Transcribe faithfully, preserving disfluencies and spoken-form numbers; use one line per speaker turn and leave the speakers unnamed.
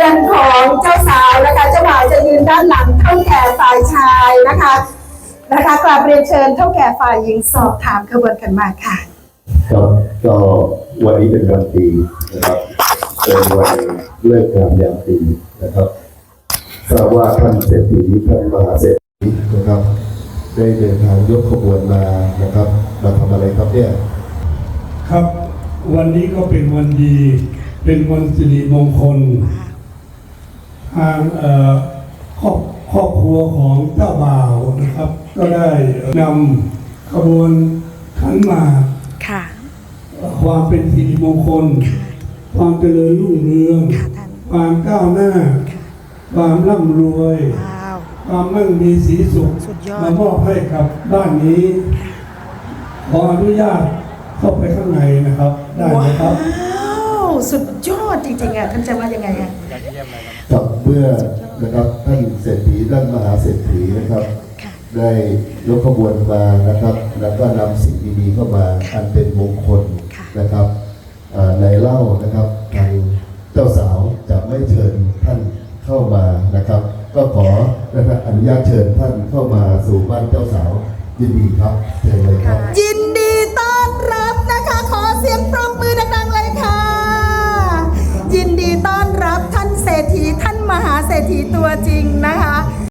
รือนของเจ้าสาวนะคะเจ้าบ่าวจะยืนด้านหลังเท่าแก่ฝ่ายชายนะคะนะคะกราบเรียนเชิญเท่าแก่ฝ่ายหญิงสอบถามขบวนกันมาค่ะ
ครับก็วันนี้เป็นวันดีนะครับเป็นวันเลิกงามยามดีนะครับทราบว่าท่านเศรษฐีท่านมหาเศรษฐีนะครับได้เดินทางยกขบวนมานะครับมาทำอะไรครับเนี่ย
ครับวันนี้ก็เป็นวันดีเป็นวันสิริมงคลทางครอบครอบครัวของเจ้าบ่าวนะครับก็ได้นำขบวนขันหมากความเป็นสิริมงคลความเจริญรุ่งเรืองความก้าวหน้าความร่ำรวยความมั่งมีสีสุขมามอบให้กับบ้านนี้ขออนุญาตเข้าไปข้างในนะครับได้ไหมครับ
ว้าวสุดยอดจริงๆอ่ะท่านจะว่ายังไงอ่ะ
ครับเมื่อนะครับท่านเศรษฐีท่านมหาเศรษฐีนะครับได้ยกขบวนมานะครับแล้วก็นำสิ่งดีๆเข้ามาอันเป็นมงคลนะครับในเล่านะครับทางเจ้าสาวจะไม่เชิญท่านเข้ามานะครับก็ขอนะครับอนุญาตเชิญท่านเข้ามาสู่บ้านเจ้าสาวยินดีครับเชิญเลยครับ
ยินดีต้อนรับนะคะขอเสียงปรบมือดังๆเลยค่ะยินดีต้อนรับท่านเศรษฐีท่านมหาเศรษฐีตัวจริง